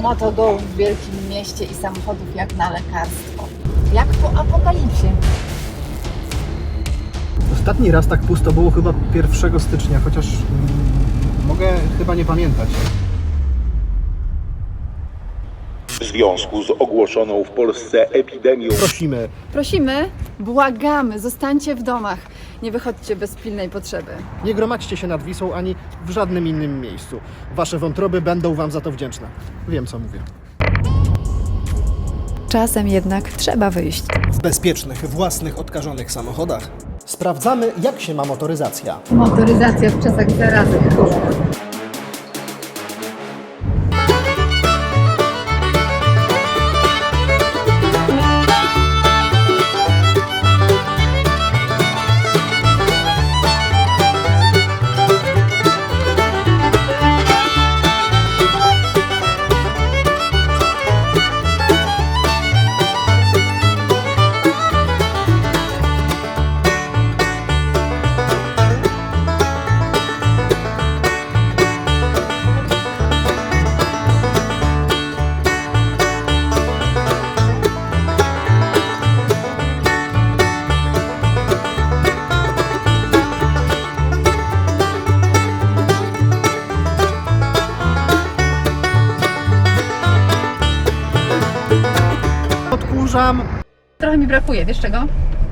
motogołów w wielkim mieście i samochodów jak na lekarstwo. Jak po apokalipsie. Ostatni raz tak pusto było chyba 1 stycznia, chociaż mogę chyba nie pamiętać. W związku z ogłoszoną w Polsce epidemią Prosimy, błagamy, zostańcie w domach. Nie wychodźcie bez pilnej potrzeby. Nie gromadźcie się nad Wisłą ani w żadnym innym miejscu. Wasze wątroby będą wam za to wdzięczne. Wiem, co mówię. Czasem jednak trzeba wyjść. W bezpiecznych, własnych, odkażonych samochodach sprawdzamy, jak się ma motoryzacja. Motoryzacja w czasach zarazy. Odkurzam. Trochę mi brakuje, wiesz czego?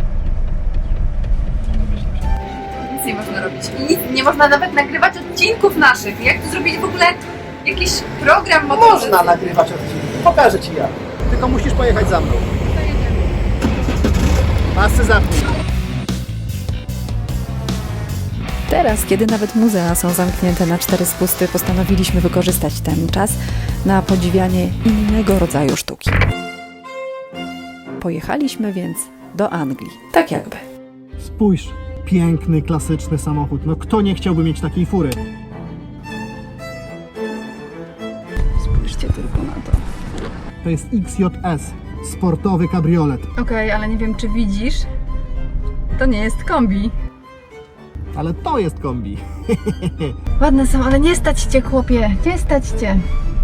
Nic nie można robić. Nic nie można nawet nagrywać odcinków naszych. Jak tu zrobić w ogóle jakiś program motoryzacyjny? Można nagrywać odcinek. Pokażę ci jak. Tylko musisz pojechać za mną. To jedziemy. Pasy zapnij. Teraz, kiedy nawet muzea są zamknięte na 4 spusty, postanowiliśmy wykorzystać ten czas na podziwianie innego rodzaju sztuki. Pojechaliśmy więc do Anglii. Tak jakby. Spójrz. Piękny, klasyczny samochód. No kto nie chciałby mieć takiej fury? Spójrzcie tylko na to. To jest XJS. Sportowy kabriolet. Okej, ale nie wiem czy widzisz. To nie jest kombi. Ale to jest kombi. Ładne są, ale nie stać cię, chłopie. Nie stać cię.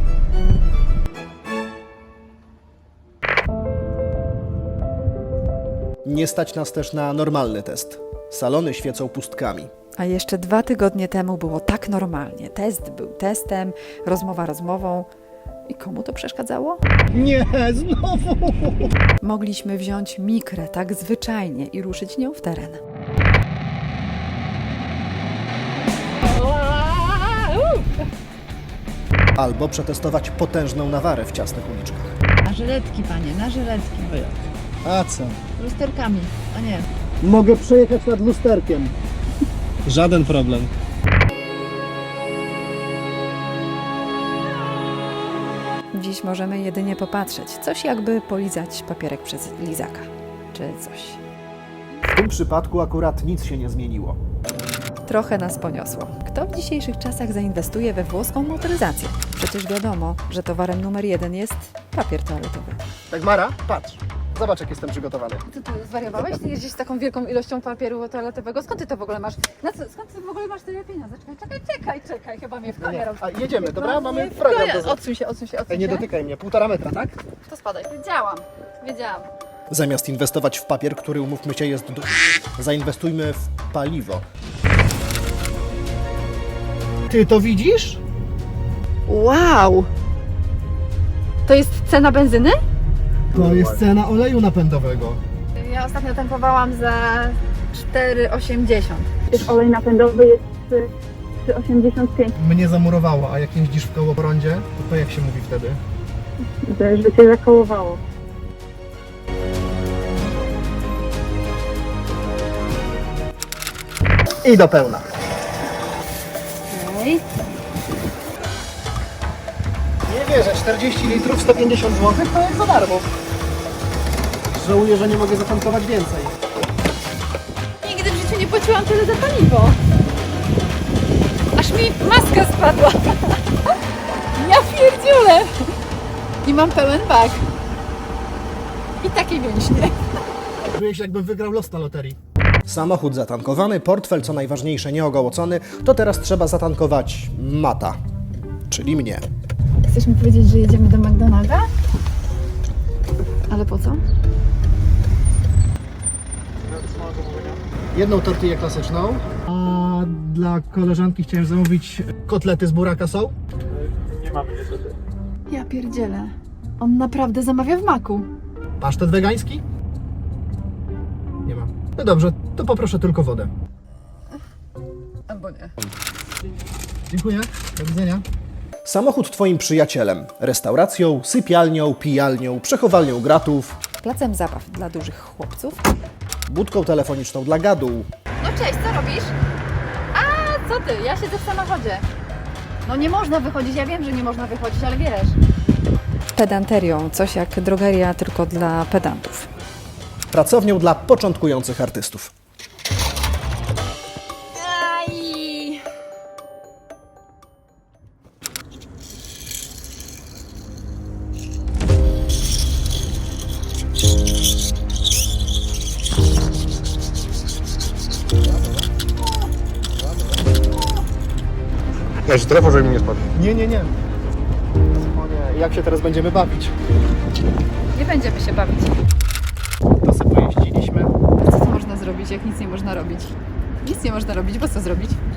Nie stać nas też na normalny test. Salony świecą pustkami. A jeszcze 2 tygodnie temu było tak normalnie. Test był testem, rozmowa rozmową. I komu to przeszkadzało? Nie, znowu! Mogliśmy wziąć mikrę tak zwyczajnie i ruszyć nią w teren. Albo przetestować potężną nawarę w ciasnych uliczkach. Na żyletki, panie, na żyletki. A co? Lusterkami, a nie. Mogę przejechać nad lusterkiem. Żaden problem. Dziś możemy jedynie popatrzeć. Coś jakby polizać papierek przez lizaka. Czy coś. W tym przypadku akurat nic się nie zmieniło. Trochę nas poniosło. Kto w dzisiejszych czasach zainwestuje we włoską motoryzację? Przecież wiadomo, że towarem numer 1 jest papier toaletowy. Dagmara, patrz. Zobacz, jak jestem przygotowany. Ty zwariowałeś? Ty jeździsz z taką wielką ilością papieru toaletowego? Skąd ty to w ogóle masz? Skąd ty w ogóle masz tyle pieniędzy? Czekaj, chyba mnie w konia robi. A jedziemy, dobra? No, Mamy nie, w program konia. do zrobienia. Odsuń się. Ej, nie dotykaj mnie. 1,5 metra, tak? To spadaj. Wiedziałam. Zamiast inwestować w papier, który, umówmy się, jest zainwestujmy w paliwo. Ty to widzisz? Wow! To jest cena benzyny? To jest cena oleju napędowego. Ja ostatnio tankowałam za 4,80. Też olej napędowy jest 3,85. Mnie zamurowało, a jak jeździsz w kołoprądzie, to jak się mówi wtedy? Że cię zakołowało. I do pełna. Okej. Nie wierzę, 40 litrów, 150 zł to jak za darmo. Żałuję, że nie mogę zatankować więcej. Nigdy w życiu nie płaciłam tyle za paliwo. Aż mi maska spadła. Ja pierdziulę. I mam pełen bak. I takie mięśnie. Czuję się, jakbym wygrał los na loterii. Samochód zatankowany, portfel co najważniejsze nieogołocony, to teraz trzeba zatankować Mata, czyli mnie. Chcesz mi powiedzieć, że jedziemy do McDonalda? Ale po co? Jedną tortillę klasyczną. A dla koleżanki chciałem zamówić kotlety z buraka są? Ja pierdzielę. On naprawdę zamawia w Maku. Pasztet wegański? Nie ma. No dobrze, to poproszę tylko wodę. Albo nie. Dziękuję, do widzenia. Samochód twoim przyjacielem. Restauracją, sypialnią, pijalnią, przechowalnią gratów, Placem zabaw dla dużych chłopców, budką telefoniczną dla gadu, No cześć, co robisz? A, co ty? Ja siedzę w samochodzie. No nie można wychodzić, ja wiem, że nie można wychodzić, ale wiesz. pedanterią, coś jak drogeria tylko dla pedantów. pracownią dla początkujących artystów. Aj! Ja się telefon, żeby mi nie spadł. Nie. O nie, jak się teraz będziemy bawić? Nie będziemy się bawić. To sobie pojeździliśmy. Co tu można zrobić, jak nic nie można robić? Nic nie można robić, bo co zrobić?